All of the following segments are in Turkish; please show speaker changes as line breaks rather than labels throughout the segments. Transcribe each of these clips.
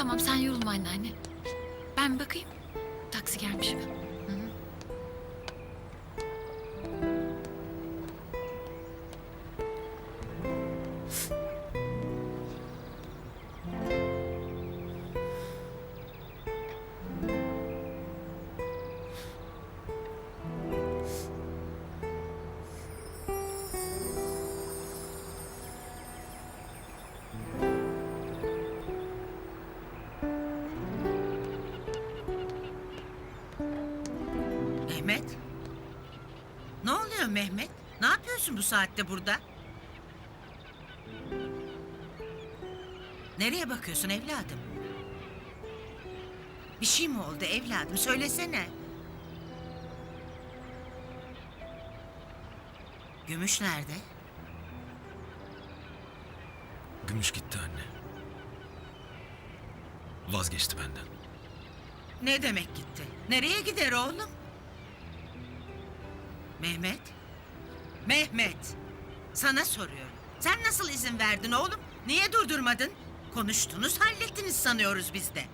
Tamam sen yorulma anneanne. Ben bir bakayım. Taksi gelmiş mi? Hı hı.
Mehmet? Ne oluyor Mehmet? Ne yapıyorsun bu saatte burada? Nereye bakıyorsun evladım? Bir şey mi oldu evladım? Söylesene. Gümüş nerede?
Gümüş gitti anne. Vazgeçti benden.
Ne demek gitti? Nereye gider oğlum? Mehmet? Mehmet! Sana soruyorum. Sen nasıl izin verdin oğlum? Niye durdurmadın? Konuştunuz, hallettiniz sanıyoruz biz de.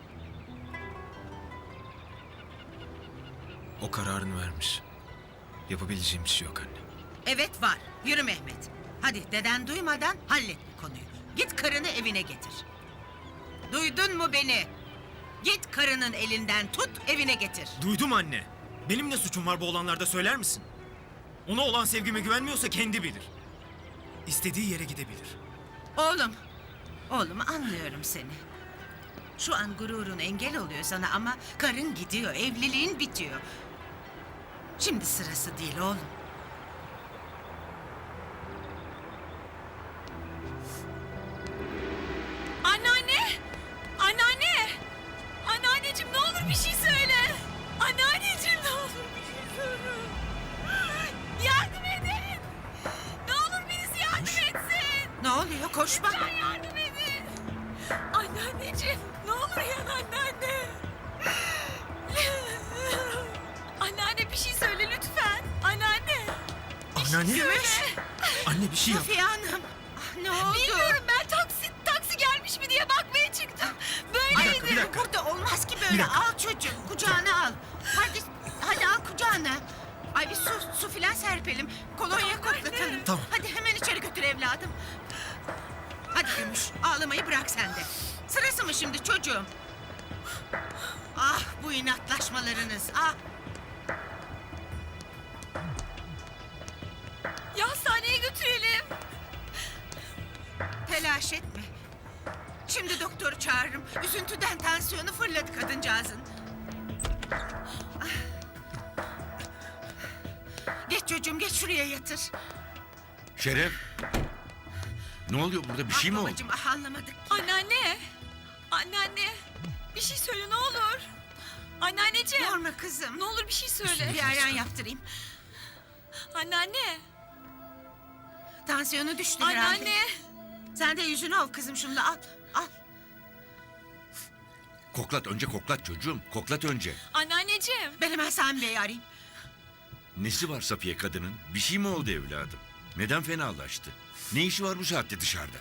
O kararını vermiş. Yapabileceğim bir şey yok anne.
Evet var. Yürü Mehmet. Hadi deden duymadan hallet bu konuyu. Git karını evine getir. Duydun mu beni? Git karının elinden tut evine getir.
Duydum anne. Benim ne suçum var bu olanlarda söyler misin? Ona olan sevgime güvenmiyorsa kendi bilir. İstediği yere gidebilir.
Oğlum anlıyorum seni. Şu an gururun engel oluyor sana ama karın gidiyor, evliliğin bitiyor. Şimdi sırası değil oğlum.
Anneanne! Anneanne! Anneanneciğim ne olur bir şey söyle. Anneanneciğim ne olur bir şey söyle. Yardım edin. Ne olur birisi yardım etsin.
Ne oluyor? Koşma.
Lütfen yardım edin. Anneanneciğim ne olur yan anneanne. Anneanne bir şey söyle lütfen. Anneanne.
Anneanne.
Gümüş.
Anne bir şey yap.
Safiye Hanım. Ah, ne oldu?
Bilmiyorum ben taksi gelmiş mi diye bakmaya çıktım. Böyleydi.
Bir dakika.
Burada olmaz ki
Bir
böyle.
dakika.
Al çocuğum, kucağına al. Hadi al kucağına. Ay bir su filan serpelim. Kolonya koklatalım.
Tamam.
Hadi hemen içeri götür evladım. Hadi Gümüş, ağlamayı bırak sen de. Sırası mı şimdi çocuğum? Ah bu inatlaşmalarınız, ah.
Ya hastaneye götürelim.
Telaş etme. Şimdi doktoru çağırırım. Üzüntüden tansiyonu fırladı kadıncağızın. Ah. Geç çocuğum, geç şuraya yatır.
Şeref. Ne oluyor burada? Bir şey mi oldu?
Babacığım, anlamadık.
Anneanne. Anneanne. Bir şey söyle ne olur. Anneanneciğim.
Yorma kızım.
Ne olur bir şey söyle.
Bir ayran yaptırayım.
Anneanne.
Tansiyonu düştü herhalde.
Anneanne.
Sen de yüzünü ol kızım şunla, al. Al.
Koklat önce koklat çocuğum. Koklat önce.
Anneanneciğim.
Ben hemen Sami Bey'i arayayım.
Nesi var Safiye kadının? Bir şey mi oldu evladım? Neden fenalaştı? Ne işi var bu saatte dışarıda?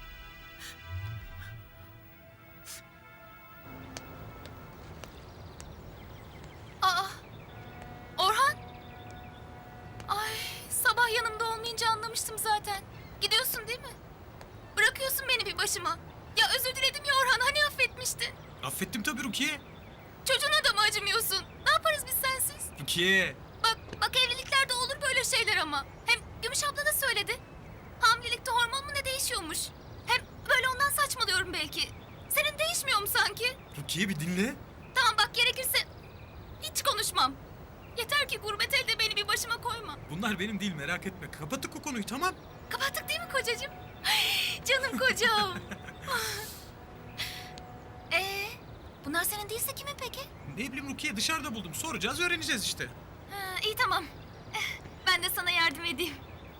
Aa, Orhan. Ay, sabah yanımda olmayınca anlamıştım zaten. Gidiyorsun değil mi? Bırakıyorsun beni bir başıma. Ya özür diledim ya Orhan, hani affetmiştin?
Affettim tabii Rukiye.
Çocuğuna da mı acımıyorsun? Ne yaparız biz sensiz?
Rukiye.
Bak evliliklerde olur böyle şeyler ama. Hem Gümüş abla da söyledi. Hamilelikte hormon mu ne değişiyormuş? Hem böyle ondan saçmalıyorum belki. Senin değişmiyor mu sanki?
Rukiye bir dinle.
Tamam bak gerekirse hiç konuşmam. Yeter ki gurbet elde beni bir başıma koyma.
Bunlar benim değil merak etme. Kapattık o konuyu tamam.
Kapattık değil mi kocacığım? Ay, canım kocam. Bunlar senin değilse kimin peki?
Ne bileyim Rukiye dışarıda buldum. Soracağız öğreneceğiz işte.
Ha, iyi tamam. Ben de sana yardım edeyim.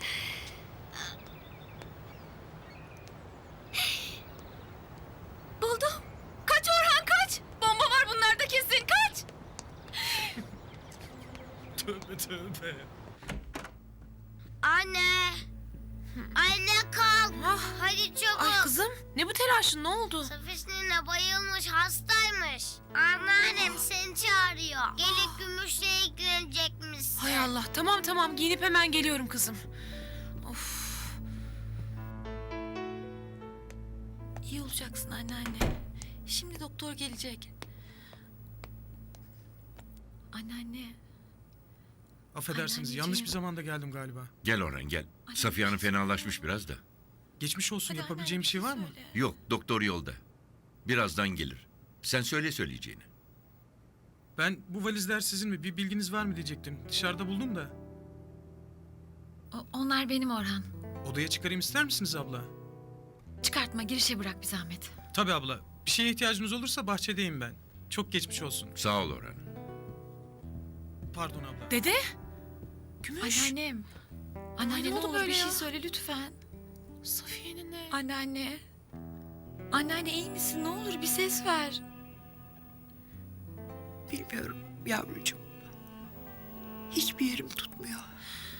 Buldum. Kaç Orhan kaç. Bomba var bunlarda kesin kaç.
Tövbe tövbe.
Anne! Anne kalk.
Ah.
Hadi çabuk.
Ay kızım ne bu telaşın ne oldu?
Safiş nene bayılmış, hastaymış. Anneannem seni çağırıyor. Gelip gümüşle ilgilenecekmişsin.
Hay Allah tamam giyinip hemen geliyorum kızım. Of. İyi olacaksın anneanne. Şimdi doktor gelecek. Anneanne.
Affedersiniz,
Anneanneciğim.
yanlış bir zamanda geldim galiba.
Gel Orhan gel. Safiye Hanım fenalaşmış biraz da.
Geçmiş olsun,
Hadi
yapabileceğim bir şey var mı?
söyle.
Yok, doktor yolda. Birazdan gelir. Sen söyle söyleyeceğini.
Ben bu valizler sizin mi? Bir bilginiz var mı diyecektim. Dışarıda buldum da.
Onlar benim Orhan.
Odaya çıkarayım ister misiniz abla?
Çıkartma girişe bırak bir zahmet.
Tabii abla. Bir şeye ihtiyacınız olursa bahçedeyim ben. Çok geçmiş olsun.
Sağ ol Orhan.
Pardon abla.
Dede.
Gümüş.
Anneannem. Anneanne
ne
ne
oldu
olur
böyle
bir
ya?
şey söyle lütfen.
Safiye'nin ne?
Anneanne. Anneanne iyi misin? Ne olur bir ses ver.
Bilmiyorum yavrucuğum. Hiçbir yerim tutmuyor.